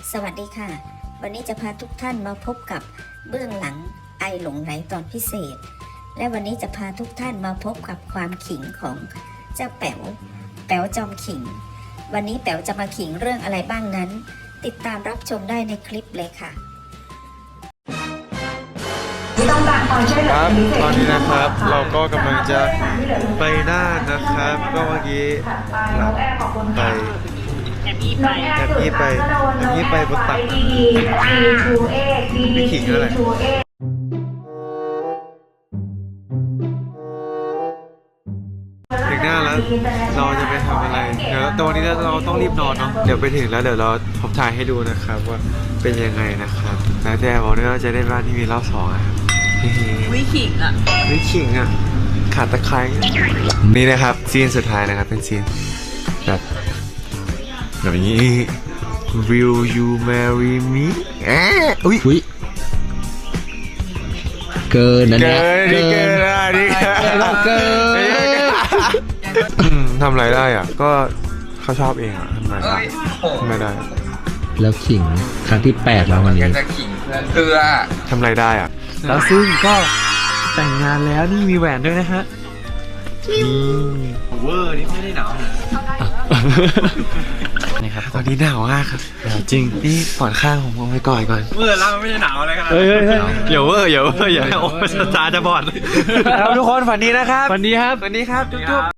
สวัสดีค่ะวันนี้จะพาทุกท่านมาพบกับเบื้องหลังไอหลงไหลตอนพิเศษและวันนี้จะพาทุกท่านมาพบกับความขิงของเจ้าแป๋วจอมขิงวันนี้แป๋วจะมาขิงเรื่องอะไรบ้างนั้นติดตามรับชมได้ในคลิปเลยค่ะครับตอนนี้นะครับเราก็กำลังจะไปน่านนะครับก็เมื่อกี้หลับไปแอบยี่ไปบนตักไม่ขิงแล้วแหละถึงหน้าแล้วเราจะไปทำอะไรเดี๋ยวตอนนี้เราต้องรีบนอนเนาะเดี๋ยวไปถึงแล้วเดี๋ยวเราผมถ่ายให้ดูนะครับว่าเป็นยังไงนะครับแล้วแต่บอกด้วยว่าจะได้บ้านที่มีรอบสองนะครับวิขิงอ่ะขาดตะไคร้นี่นะครับซีนสุดท้ายนะครับเป็นซีนแบบนี้ Will you marry me อุ้ยเกินนะเนี่ยเกินทำอะไรได้อ่ะก็เขาชอบเองอ่ะทำไมไม่ได้แล้วขิงครั้งที่8แล้ววันนี้จะขิงเพื่อทำอะไรได้อ่ะแล้วซึ่งก็แต่งงานแล้วนี่มีแหวนด้วยนะฮะเวอร์นี่ไม่ได้หนาวนี่ครับตอนนี้หนาวมากครับจริงนี่ปอดข้างผมเอาไว้ก่อนเวอร์แล้วไม่ได้หนาวอะไรขนาดอย่าเวอร์อย่าโอ้ตาจะบอดแล้วทุกคนฝันดีนะครับวันนี้ครับจุ๊บ